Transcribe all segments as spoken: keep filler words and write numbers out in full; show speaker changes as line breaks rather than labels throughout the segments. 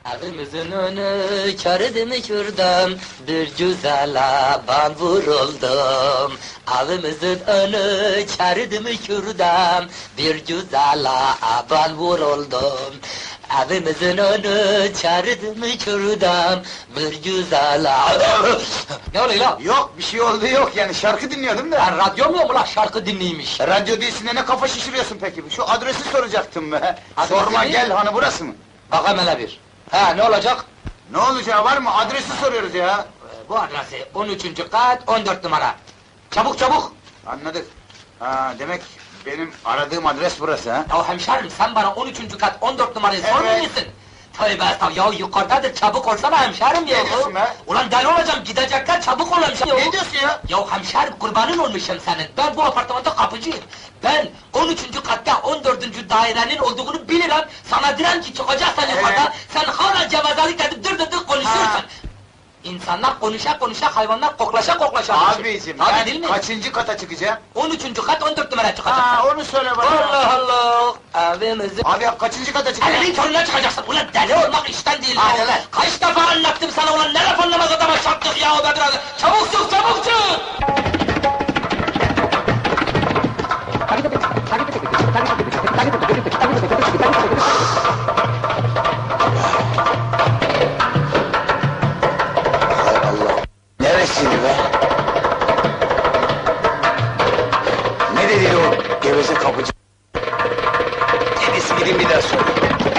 Evimizin önü körüdü mü kürdüm, bir güzele ben vuruldum. Evimizin önü körüdü mü kürdüm, bir güzele ben vuruldum. Evimizin önü körüdü mü kürdüm, bir güzele... Ne oluyor lan?
Yok, bir şey oldu yok yani, şarkı dinliyordum da.
Ben radyo mu mu lan şarkı dinleymiş?
Radyo değilsin de ne kafa şişiriyorsun peki? Şu adresi soracaktım be.
Adresi
Sorma
mi?
gel, hani burası mı?
Bakalım hele bir. He ne olacak?
Ne olacağı var mı? Adresi soruyoruz ya.
Ee, Bu adresi on üçüncü kat on dört numara. Çabuk çabuk!
Anladık. Ha, demek benim aradığım adres burası ha?
Ya hemşerim sen bana on üçüncü kat on dört numarayı
Evet.
sormuyor musun? Tövbe estağfurullah, ya yukarıdadır, çabuk olsana hemşerim ya!
Ne diyorsun be?
Ulan deli olacağım, gidecekler, çabuk ol hemşerim!
Ne diyorsun ya?
Ya hemşerim, kurbanın olmuşum senin, ben bu apartmanda kapıcıyım! Ben on üçüncü katta on dördüncü dairenin olduğunu bilirim, sana diren ki çıkacaksan yukarıda, sen hala gevezelik edip dır dır dır konuşuyorsun!
Ha.
İnsanlar konuşa konuşa, hayvanlar koklaşa koklaşa konuşuyor.
Abicim,
Tabii değil
ben
mi?
kaçıncı kata çıkacağım?
on üçüncü kat on dört numara çıkacaksın!
Ha, onu söyle bana.
Allah Allah! Evimizin...
Abi ya, kaçıncı kata çıkacağım?
Elinin körüne çıkacaksın, ulan deli olmak işten değil
Hadi
ya!
lan!
Kaç defa anlattım sana ulan, ne laf anlamaz adama çarptık ya be biraz! Çabuk çık, çabuk çık!
Hay Allah! Neresi be? Ne dedi o geveze kapıcı? En iyisi gidin bir daha sorayım.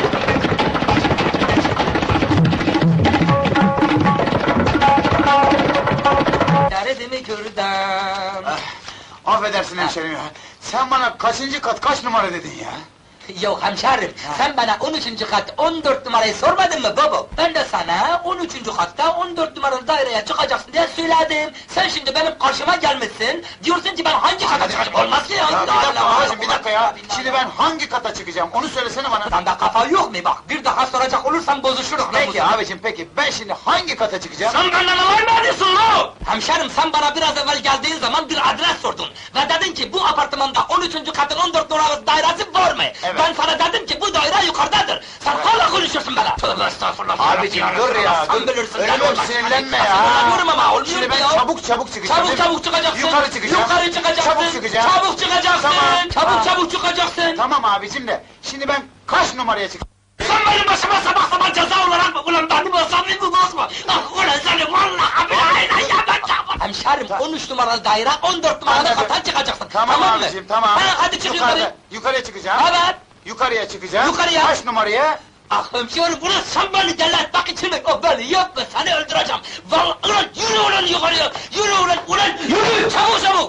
Derdimi kürdüm.
Ah, affedersin hemşerim ya. Sen bana kaçıncı kat, kaç numara dedin ya?
Yok hemşerim, sen bana on üçüncü kat on dört numarayı sormadın mı baba? Ben de sana on üçüncü katta on dört numaralı daireye çıkacaksın diye söyledim. Sen şimdi benim karşıma gelmişsin, diyorsun ki ben hangi kata çıkacağım? Olmaz ki ya!
Ya bir dakika babacığım, bir dakika ya. Şimdi ben hangi kata çıkacağım, onu söylesene bana.
Sende kafa yok mu bak? Bir daha soracak olursan bozuşuruz.
Peki
namusum.
abicim, peki ben şimdi hangi kata çıkacağım?
Sen benden alay mı ediyorsun lan? Hemşerim sen bana biraz evvel geldiğin zaman bir adres sordun. Ve dedin ki bu apartmanda on üçüncü katın on dört numaralı dairesi var mı?
Evet.
Ben sana dedim ki bu daire yukarıdadır. Sen hala konuşuyorsun bana. Tövbe estağfurullah.
Abicim dur ya,
Sen
dur.
bilirsin.
Öyle
deli
ol,
olmak.
sinirlenme
Hani
ya.
sinirleniyorum ama olmuyor
Şimdi
mu
ben
ya?
çabuk çabuk çıkacağım.
Çabuk
değil mi?
çabuk çıkacaksın.
Yukarı çıkacağım.
Yukarı çıkacaksın.
Çabuk çıkacağım.
Çabuk çıkacaksın.
Tamam.
Çabuk
Ha.
çabuk çıkacaksın.
Tamam abicim de, şimdi ben kaç numaraya çıkacağım?
Sen benim başıma sabah sabah ceza olarak mı? Ulan benim olsam ne bu basma? Ah ulan seni vallahi billahi ya ben çabuk. Hemşerim on üç numaralı daire on dört numaralı
Anladım.
kata çıkacaksın.
Tamam,
mı?
abicim, tamam.
Ha, hadi çık
Yukarıda,
yukarı.
yukarıya çıkacağım.
Evet.
Yukarıya çıkacağım.
Yukarıya.
Kaç numaraya?
Ah hemşerim ulan sen beni deli etmek için mi? Oh beni yapma, seni öldüreceğim. Vallahi ulan yürü ulan yukarıya. Yürü ulan ulan yürü. Çabuk çabuk.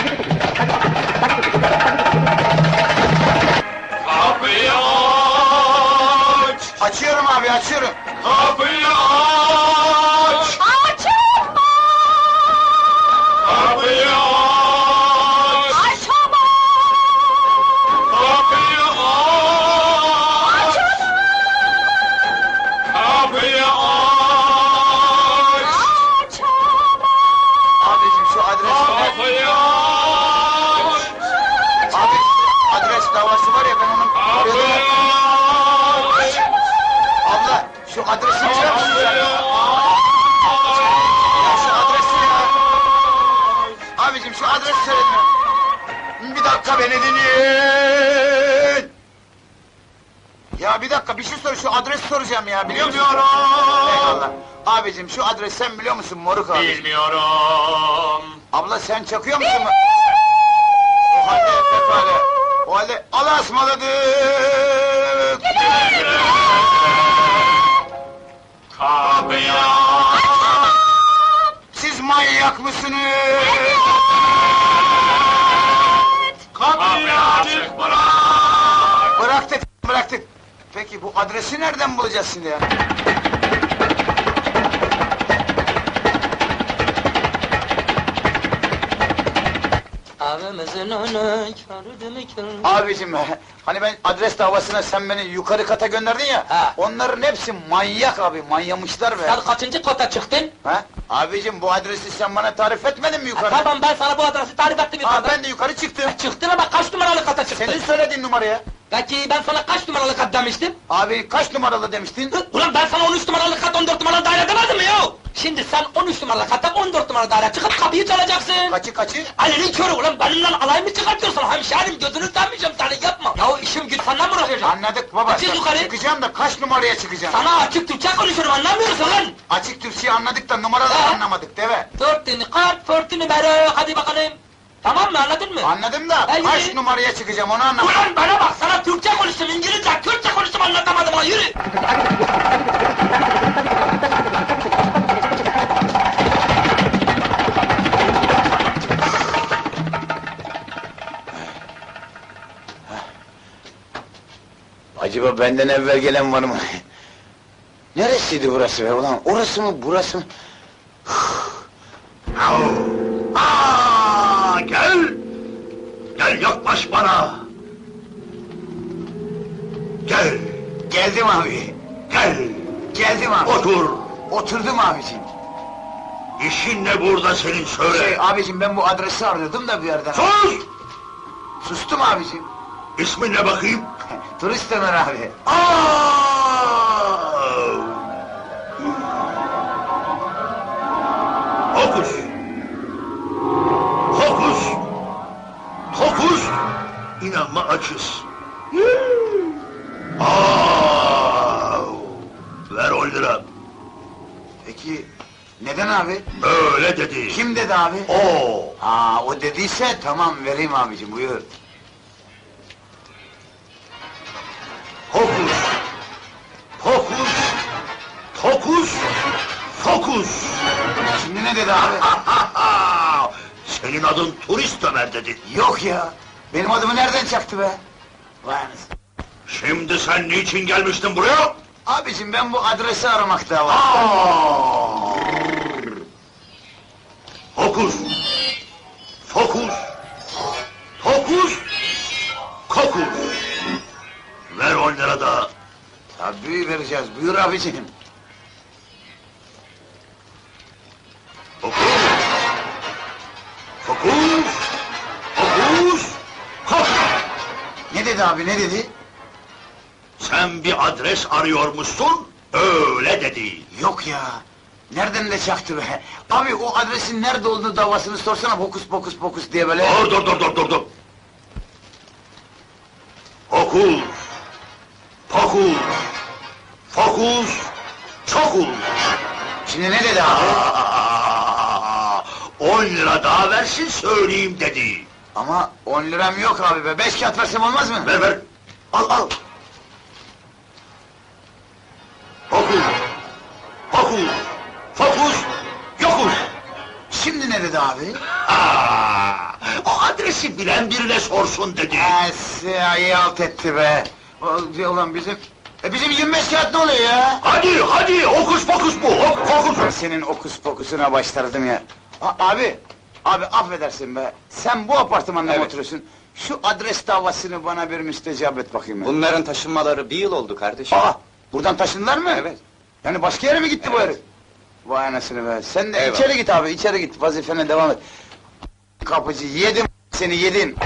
Kapıyı aç!
Açıyorum abi, açıyorum.
Kapıyı aç!
Açılma!
Kapıyı aç!
Açılma!
Kapıyı aç! Kapıyı aç!
Açılma!
Abicim şu adres ne?
Kapıyı aç!
Abi, adres davası var ya, ben onun...
Kapıyı aç!
Abla, şu adresi biliyor musun sen?
Kapıyı
Ya şu adresi ya! Abicim şu adresi söyledin. Bir dakika, beni dinleyin! Ya bir dakika, bir şey sor, şu adresi soracağım ya, biliyor musun?
Bilmiyorum!
Eyvallah. Abicim şu adres sen biliyor musun moruk abi?
Bilmiyorum!
Abla sen çakıyor musun? O halde pekala. O halde Allah'a ısmarladık!
Kapıyı aç!
Siz manyak mısınız?
Kapıyı açık bırak!
Bıraktık, bıraktık. Peki bu adresi nereden bulacağız şimdi ya?
Evimizin önü körüdü mü kürdüm?
Abicim, hani ben adres davasına sen beni yukarı kata gönderdin ya,
Ha.
onların hepsi manyak abi, manyamışlar be.
Sen kaçıncı kata çıktın?
Ha? Abicim bu adresi sen bana tarif etmedin mi
Ha,
yukarıda?
tamam ben sana bu adresi tarif ettim
Ha,
yukarıda.
ben de yukarı çıktım.
Çıktın ama kaç numaralı kata çıktın?
Senin söylediğin numaraya.
Peki ben sana kaç numaralı kat demiştim?
Abi kaç numaralı demiştin?
Hı, Ulan ben sana on üç numaralı kat, on dört numaralı daire demedim mi ya? Şimdi sen on üç numaralı katta on dört numaralı daire çıkıp kapıyı çalacaksın.
Kaçı kaçı?
Ali'nin körü ulan benimle alay mı çıkartıyorsun? Hemşerim gözünü sevmeyeceğim seni yapma. Ya işim güç senden mi uğraşacağım?
Anladık baba.
Çık
sen-
yukarı.
Çıkacağım da kaç numaraya çıkacağım?
Sana açık Türkçe konuşuyorum anlamıyorsun lan.
Açık Türkçeyi anladık da numaraları
Ha?
anlamadık deve.
Dörtünü kart, dörtünü numara, hadi bakalım. Tamam mı anladın mı?
Anladım da
Ha, yürü.
kaç numaraya çıkacağım onu anlamadım.
Ulan bana bak sana Türkçe konuştum, İngilizce, Kürtçe konuştum anlatamadım ha yürü.
Acaba benden evvel gelen var mı? Neresiydi burası be ulan? Orası mı burası mı?
Aa, gel! Gel yaklaş bana! Gel!
Geldim abi.
Gel!
Geldim abi.
Otur!
Oturdum abicim.
İşin ne burada senin söyle!
Şey abicim ben bu adresi arıyordum da bir yerden.
Sus!
Sustum abicim.
İsmin ne bakayım?
Turist Ömer abi.
Aa! Hokus! Hokus! Hokus! İnanma açız. Aa! Ver on lira.
Peki neden abi?
Öyle dedi.
Kim dedi abi?
O.
Aa o dediyse tamam vereyim abicim buyur.
Hokus! Hokus! Hokus! Fokus!
Şimdi ne dedi abi?
Senin adın Turist Ömer dedi.
Yok ya. Benim adımı nereden çaktı be? Vay anasını.
Şimdi sen niçin gelmiştin buraya?
Abicim ben bu adresi aramakta var.
Aa! Hokus! Fokus! Hokus! Kokus! Ver on lira da.
Tabii vereceğiz buyur abicim.
Fokus! Fokus! Fokus! Kokus!
Ne dedi abi ne dedi?
Sen bir adres arıyormuşsun, öyle dedi.
Yok ya. Nereden de çaktı be? Abi o adresin nerede olduğunu davasını sorsana fokus pokus pokus diye böyle.
Dur dur dur dur dur dur. Fokus! Fokus! Fokus! Çokus!
Şimdi ne dedi abi?
Aa, on lira daha versin söyleyeyim dedi.
Ama on liram yok abi be. Beş kağıt versem olmaz mı?
Ver ver. Al al. Fokus! Fokus! Fokus! Yokuz!
Şimdi ne dedi abi?
Aa, o adresi bilen birine sorsun dedi.
Esi iyi alt etti be. O- Ulan bizim... E bizim yirmi beş kağıt ne oluyor ya?
Hadi hadi hokus pokus bu. Hop,
Ben
fokus.
senin okus pokusuna başlardım ya. A- abi, abi affedersin be. Sen bu apartmanda mı
Evet.
oturuyorsun? Şu adres davasını bana bir müstecap et bakayım ya.
Bunların taşınmaları bir yıl oldu kardeşim.
Aa, buradan taşındılar mı?
Evet.
Yani başka yere mi gitti bu
Evet.
herif? Vay anasını be. Sen de
Eyvallah.
içeri git abi, içeri git. Vazifene devam et. Kapıcı, yedim seni yedim.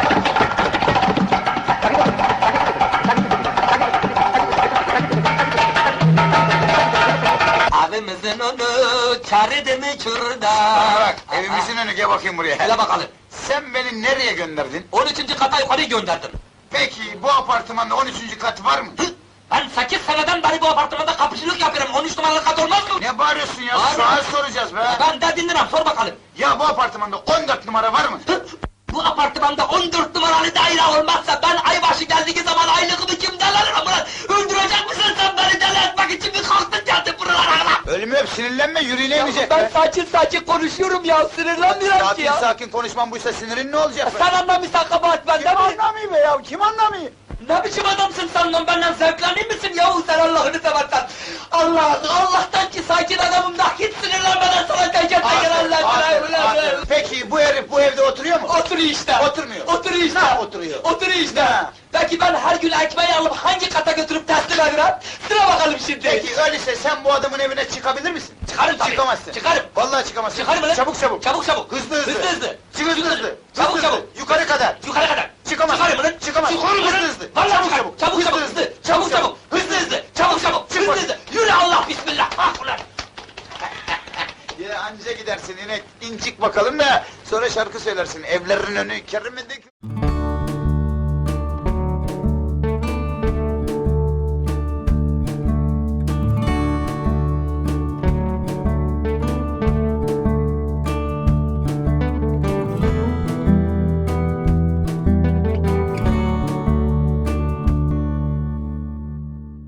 Abimizin onu çarıdı mı çurda.
Bak, evimizin önü, gel bakayım buraya.
Hele bakalım.
Sen beni nereye gönderdin?
on üçüncü kata yukarı gönderdim.
Peki, bu apartmanda on üçüncü kat var mı?
Hı? Ben sekiz seneden beri bu apartmanda kapıcılık yapıyorum. on üç numaralı kat olmaz mı?
Ne bağırıyorsun ya?
Bağırma.
Sual soracağız be.
Ben de dinlerim, sor bakalım.
Ya bu apartmanda on dört numara var mı?
Hı? Bu apartmanda on dört numaralı daire olmazsa ben aybaşı geldiği zaman aylığımı kimden alırım ulan? Öldürecek misin sen beni deli etmek için mi kalktın geldin buralara lan?
Ölümü öp, sinirlenme, yüreğine
Ya
inecek
ben
be.
sakin sakin konuşuyorum ya, sinirlenmiyorum ki
Sakin
ya.
sakin konuşman buysa sinirin ne olacak be?
Sen anlamıyorsan kabahat bende
Kim
mi?
anlamıyor be ya, kim anlamıyor?
Ne biçim adamsın sen lan, benden zevklenir misin yahu sen Allah'ını seversen? Allah, Allah'tan ki sakin adamım da hiç sinirlenmeden sana teker teker
Aferin, aferin,
Allah'ını
aferin. Peki bu herif bu evde oturuyor mu?
Oturuyor işte.
Oturmuyor.
Oturuyor işte.
Ne oturuyor?
Oturuyor işte.
Ne?
Peki ben her gün ekmeği alıp hangi kata götürüp teslim ederim? Sıra bakalım şimdi.
Peki öyleyse sen bu adamın evine çıkabilir misin?
Çıkarım tabii.
Çıkamazsın.
Çıkarım.
Vallahi çıkamazsın.
Çıkarım lan.
Çabuk çabuk.
Çabuk çabuk.
Hızlı hızlı.
Hızlı hızlı.
Çık hızlı hızlı.
Çabuk
Hızlı hızlı.
çabuk.
Yukarı kadar.
Yukarı kadar.
Çıkamaz.
Çıkarım lan.
Çıkamaz.
Çıkarım lan.
Hızlı hızlı.
Vallahi
Çabuk
çıkar.
çabuk.
Çabuk çabuk hızlı. Çabuk çabuk. Hızlı hızlı. Çabuk çabuk.
Çık
Hızlı
bakayım.
hızlı. Yürü Allah bismillah. Ah ulan.
Ya anca gidersin inek. İn çık bakalım da sonra şarkı söylersin. Evlerin önü keremedeki.